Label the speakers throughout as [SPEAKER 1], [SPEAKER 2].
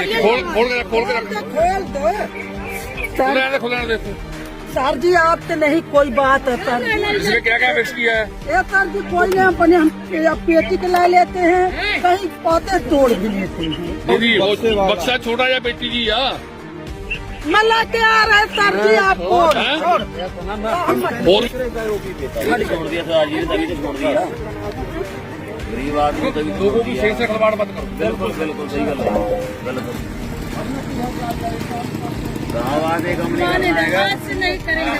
[SPEAKER 1] खोल दे
[SPEAKER 2] खोलने दे
[SPEAKER 1] सर जी, आपसे नहीं कोई बात है सर।
[SPEAKER 2] इसमें क्या क्या मिक्स किया है?
[SPEAKER 1] ये सर जी कोई नहीं, अपने हम पेटी के ला लेते हैं, कहीं पौधे तोड़ भी लेते हैं।
[SPEAKER 2] दीदी वो बक्सा छोटा या बेटी जी या
[SPEAKER 1] मैं लेके आ रहे सर जी आपको।
[SPEAKER 2] और
[SPEAKER 3] छोड़ दिया सर, आज ये तभी तो छोड़ दिया। गरीब आदमी तभी
[SPEAKER 2] लोगों की सही से खिलवाड़ मत करो।
[SPEAKER 3] बिल्कुल बिल्कुल सही गल है, बिल्कुल। गाँव कंपनी
[SPEAKER 4] नहीं करेंगे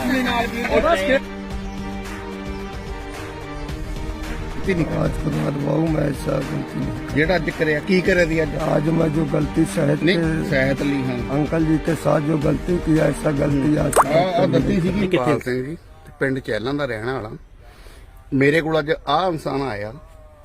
[SPEAKER 5] आज के बाद बहु मैं ऐसा गलती नहीं।
[SPEAKER 6] ਜਿਹੜਾ ਅੱਜ ਕਰਿਆ ਕੀ ਕਰਿਆ ਦੀ ਅੱਜ
[SPEAKER 5] आज मैं जो गलती सहत
[SPEAKER 6] ਨਹੀਂ ਸਹਿਤ ਲਈ ਹਾਂ
[SPEAKER 5] अंकल जी के साथ जो गलती की, ऐसा गलती आज तक
[SPEAKER 6] ਆ
[SPEAKER 5] कभी
[SPEAKER 6] ਦਿੱਤੀ
[SPEAKER 5] नहीं।
[SPEAKER 6] ਸੀਗੀ ਪਾਲ ਸਿੰਘ ਜੀ ਤੇ ਪਿੰਡ ਚੈਲਾਂ ਦਾ ਰਹਿਣ ਵਾਲਾ। ਮੇਰੇ ਕੋਲ ਅੱਜ ਆਹ ਇਨਸਾਨ ਆਇਆ,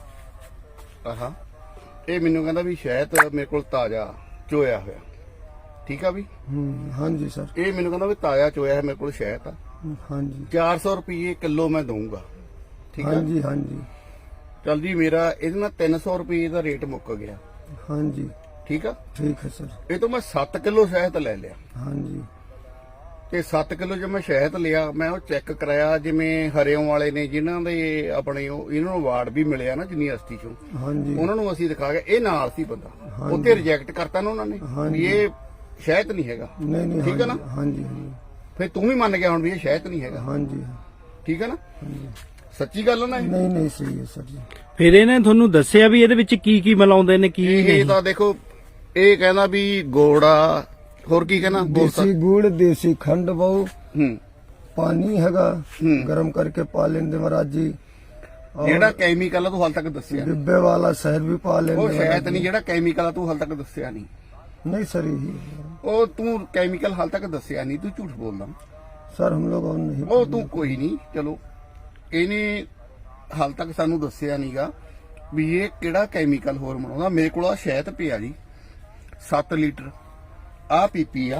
[SPEAKER 6] ਆਹਾ ਇਹ ਮੈਨੂੰ ਕਹਿੰਦਾ ਵੀ ਸ਼ਹਿਦ ਮੇਰੇ ਕੋਲ ਤਾਜ਼ਾ ਚੋਇਆ ਹੋਇਆ। ਠੀਕ ਆ ਵੀ
[SPEAKER 5] हाँ जी सर,
[SPEAKER 6] ਇਹ ਮੈਨੂੰ ਕਹਿੰਦਾ ਵੀ ਤਾਜ਼ਾ ਚੋਇਆ ਹੈ, ਮੇਰੇ ਕੋਲ ਸ਼ਹਿਦ ਆ,
[SPEAKER 5] हाँ जी
[SPEAKER 6] 400 ਰੁਪਏ ਕਿਲੋ ਮੈਂ ਦਊਂਗਾ। ਠੀਕ
[SPEAKER 5] हाँ
[SPEAKER 6] ਆ
[SPEAKER 5] जी हाँ जी
[SPEAKER 6] ਚੱਲ ਜੀ, ਮੇਰਾ ਇਹਦੇ ਨਾਲ 300 ਰੁਪਏ ਦਾ ਰੇਟ ਮੁੱਕ ਗਿਆ।
[SPEAKER 5] हाँ जी
[SPEAKER 6] ਠੀਕ ਆ,
[SPEAKER 5] ठीक है सर,
[SPEAKER 6] ਇਹ ਤੋਂ ਮੈਂ 7 ਕਿਲੋ ਸ਼ਹਿਦ ਲੈ ਲਿਆ
[SPEAKER 5] हाँ जी
[SPEAKER 6] ਤੇ 7 ਕਿਲੋ ਜੇ ਮੈਂ ਸ਼ਹਿਦ ਲਿਆ, ਮੈਂ ਉਹ ਚੈੱਕ ਕਰਾਇਆ, ਜਿਵੇਂ ਹਰਿਓਂ ਵਾਲੇ ਨੇ ਜਿਨ੍ਹਾਂ ਦੇ ਆਪਣੇ ਇਹਨਾਂ ਨੂੰ ਅਵਾਰਡ ਵੀ ਮਿਲਿਆ ਨਾ ਯੂਨੀਵਰਸਿਟੀ ਚੋਂ,
[SPEAKER 5] हाँ जी
[SPEAKER 6] ਉਹਨਾਂ ਨੂੰ ਅਸੀਂ ਦਿਖਾ ਕੇ ਇਹ ਨਾਲ ਸੀ ਬੰਦਾ,
[SPEAKER 5] ਹਾਂਜੀ।
[SPEAKER 6] ਉੱਥੇ ਰਿਜੈਕਟ ਕਰਤਾ ਨਾ ਉਹਨਾਂ ਨੇ ਵੀ ਇਹ ਸ਼ਹਿਦ ਨਹੀਂ ਹੈਗਾ।
[SPEAKER 5] नहीं नहीं
[SPEAKER 6] ठीक है
[SPEAKER 5] हाँ
[SPEAKER 6] ना?
[SPEAKER 5] जी, हाँ जी हाँ जी
[SPEAKER 6] ਫਿਰ ਤੂੰ ਵੀ ਮੰਨ ਗਿਆ ਹੁਣ ਵੀ ਇਹ ਸ਼ਹਿਦ ਨਹੀਂ ਹੈਗਾ।
[SPEAKER 5] हाँ जी
[SPEAKER 6] ਠੀਕ ਹੈ ਨਾ, ਸੱਚੀ ਗੱਲ ਹੈ ਨਾ ਇਹ?
[SPEAKER 5] नहीं नहीं सही है सर जी।
[SPEAKER 7] ਫਿਰ ਇਹਨੇ ਤੁਹਾਨੂੰ ਦੱਸਿਆ ਵੀ ਇਹਦੇ ਵਿੱਚ ਕੀ ਕੀ ਮਿਲਾਉਂਦੇ ਨੇ ਕੀ
[SPEAKER 6] ਇਹ
[SPEAKER 7] ਨਹੀਂ?
[SPEAKER 6] ਤਾਂ ਦੇਖੋ, ਇਹ ਕਹਿੰਦਾ ਵੀ ਗੋੜਾ, ਹੋਰ ਕੀ ਕਹਿੰਦਾ
[SPEAKER 5] देसी गुड़, देसी खंड बहु,
[SPEAKER 6] ਹੂੰ
[SPEAKER 5] पानी हैगा गरम करके पा लेंगे महाराज जी।
[SPEAKER 6] ਜਿਹੜਾ ਕੈਮੀਕਲ ਆ ਤੂੰ ਹਾਲ ਤੱਕ ਦੱਸਿਆ ਨਹੀਂ।
[SPEAKER 5] डिब्बे वाला शहद भी पा लेंगे
[SPEAKER 6] ਉਹ
[SPEAKER 5] महाराज
[SPEAKER 6] ਸ਼ਹਿਦ
[SPEAKER 5] जी।
[SPEAKER 6] ਨਹੀਂ, ਜਿਹੜਾ ਕੈਮੀਕਲ ਆ ਤੂੰ ਹਾਲ ਤੱਕ ਦੱਸਿਆ ਨਹੀਂ।
[SPEAKER 5] नहीं सर यही है।
[SPEAKER 6] ਉਹ ਤੂੰ ਕੈਮੀਕਲ ਹਾਲ ਤੱਕ ਦੱਸਿਆ ਨਹੀਂ, ਤੂੰ ਝੂਠ ਬੋਲਦਾ।
[SPEAKER 5] सर हम लोग और नहीं
[SPEAKER 6] ਉਹ ਤੂੰ ਕੋਈ ਨਹੀਂ, ਚਲੋ ਇਹਨੇ ਹਾਲ ਤੱਕ ਸਾਨੂੰ ਦੱਸਿਆ ਨਹੀਂਗਾ ਵੀ ਇਹ ਕਿਹੜਾ ਕੈਮੀਕਲ ਹੋਰ ਬਣਾਉਂਦਾ। ਮੇਰੇ ਕੋਲ ਆ ਸ਼ਹਿਦ ਪਿਆ ਜੀ 7 ਲੀਟਰ, ਆ ਪੀਪੀ ਆ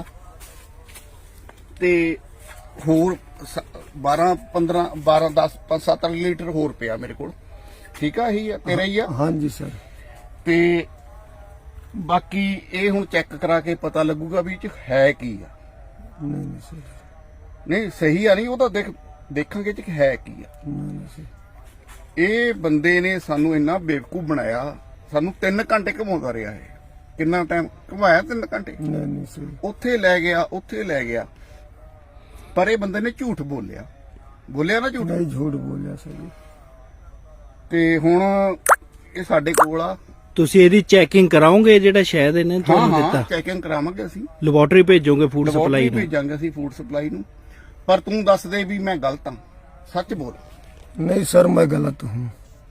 [SPEAKER 6] ਤੇ ਹੋਰ 12 15 12 10 5 7 ਲੀਟਰ ਹੋਰ ਪਿਆ ਮੇਰੇ ਕੋਲ। ਠੀਕ ਆ, ਇਹੀ ਆ ਤੇਰਾ ਹੀ ਆ।
[SPEAKER 5] हाँ जी सर,
[SPEAKER 6] ਤੇ ਬਾਕੀ ਇਹ ਹੁਣ ਚੈੱਕ ਕਰਾ ਕੇ ਪਤਾ ਲੱਗੂਗਾ ਵੀ ਇਹ ਚ ਹੈ ਕੀ ਆ।
[SPEAKER 5] नहीं नहीं सर,
[SPEAKER 6] ਨਹੀਂ ਸਹੀ ਆ, ਨਹੀਂ ਉਹ ਤਾਂ ਦੇਖਾਂਗੇ ਚ ਹੈ ਕੀ ਆ।
[SPEAKER 5] नहीं नहीं सर,
[SPEAKER 6] ਇਹ ਬੰਦੇ ਨੇ ਸਾਨੂੰ ਇੰਨਾ ਬੇਵਕੂਫ ਬਣਾਇਆ, ਸਾਨੂੰ 3 ਘੰਟੇ ਘੁਮਾਉਂਦਾ ਰਿਹਾ ਹੈ। ਕਿੰਨਾ ਟਾਈਮ ਘੁਮਾਇਆ? 3 ਘੰਟੇ।
[SPEAKER 5] नहीं नहीं सर,
[SPEAKER 6] ਉੱਥੇ ਲੈ ਗਿਆ, ਉੱਥੇ ਲੈ ਗਿਆ, ਪਰ ਇਹ ਬੰਦੇ ਨੇ ਝੂਠ ਬੋਲਿਆ ਨਾ ਝੂਠ।
[SPEAKER 5] नहीं झूठ बोलिया सर जी।
[SPEAKER 6] ਤੇ ਹੁਣ ਇਹ ਸਾਡੇ ਕੋਲ ਆ।
[SPEAKER 7] ਤੁਸੀਂ ਇਹਦੀ ਚੈਕਿੰਗ ਕਰਾਓਗੇ ਜਿਹੜਾ ਸ਼ਾਇਦ ਇਹਨੇ
[SPEAKER 6] ਹਾਂ
[SPEAKER 7] ਤੁਹਾਨੂੰ
[SPEAKER 6] ਹਾਂ,
[SPEAKER 7] ਦਿੱਤਾ?
[SPEAKER 6] ਚੈਕਿੰਗ ਕਰਾਵਾਂਗੇ ਅਸੀਂ,
[SPEAKER 7] ਲੈਬੋਰੇਟਰੀ ਭੇਜੋਗੇ ਫੂਡ ਸਪਲਾਈ
[SPEAKER 6] ਲੈਬੋਰਟਰੀ
[SPEAKER 7] ਨੂੰ?
[SPEAKER 6] ਭੇਜਾਂਗੇ ਅਸੀਂ ਫੂਡ ਸਪਲਾਈ ਨੂੰ। ਪਰ ਤੂੰ ਦੱਸ ਦੇ ਵੀ ਮੈਂ ਗਲਤ ਹਾਂ, ਸੱਚ ਬੋਲ।
[SPEAKER 5] नहीं सर मैं गलत हूँ।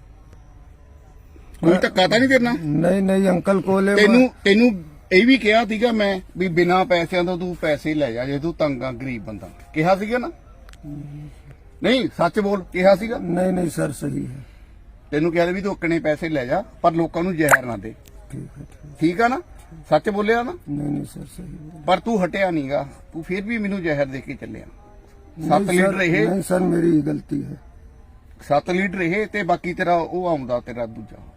[SPEAKER 6] ਕੋਈ ਧੱਕਾ ਤਾਂ ਨਹੀਂ ਕਰਨਾ।
[SPEAKER 5] नहीं नहीं अंकल को ले
[SPEAKER 6] ਤੈਨੂੰ ਇਹ ਵੀ ਕਿਹਾ ਸੀਗਾ ਮੈਂ ਵੀ ਬਿਨਾਂ ਪੈਸਿਆਂ ਤੋਂ ਤੂੰ ਪੈਸੇ ਲੈ ਜਾ ਜੇ ਤੂੰ ਤੰਗ ਆ, ਗਰੀਬ ਬੰਦਾ। ਕਿਹਾ ਸੀਗਾ ਨਾ? ਨਹੀਂ ਸੱਚ ਬੋਲ, ਕਿਹਾ ਸੀਗਾ?
[SPEAKER 5] नहीं नहीं सर सही है।
[SPEAKER 6] ਤੈਨੂੰ ਕਿਹਾ ਵੀ ਤੂੰ ਓਕਣੇ ਪੈਸੇ ਲੈ ਜਾ, ਪਰ ਲੋਕਾਂ ਨੂੰ ਜ਼ਹਿਰ ਨਾ ਦੇ।
[SPEAKER 5] ठीक है ठीक।
[SPEAKER 6] ਠੀਕ ਆ ਨਾ, ਸੱਚ ਬੋਲਿਆ ਨਾ?
[SPEAKER 5] नहीं नहीं सर सही है।
[SPEAKER 6] ਪਰ ਤੂੰ ਹਟਿਆ ਨਹੀਂਗਾ, ਤੂੰ ਫਿਰ ਵੀ ਮੈਨੂੰ ਜ਼ਹਿਰ ਦੇ ਕੇ ਚੱਲਿਆ। 7
[SPEAKER 5] नहीं
[SPEAKER 6] ਲੀਟਰ
[SPEAKER 5] सर,
[SPEAKER 6] ਇਹ,
[SPEAKER 5] नहीं सर मेरी ही गलती है।
[SPEAKER 6] 7 ਲੀਟਰ ਇਹ ਤੇ ਬਾਕੀ ਤੇਰਾ ਉਹ ਆਉਂਦਾ ਤੇਰਾ ਦੂਜਾ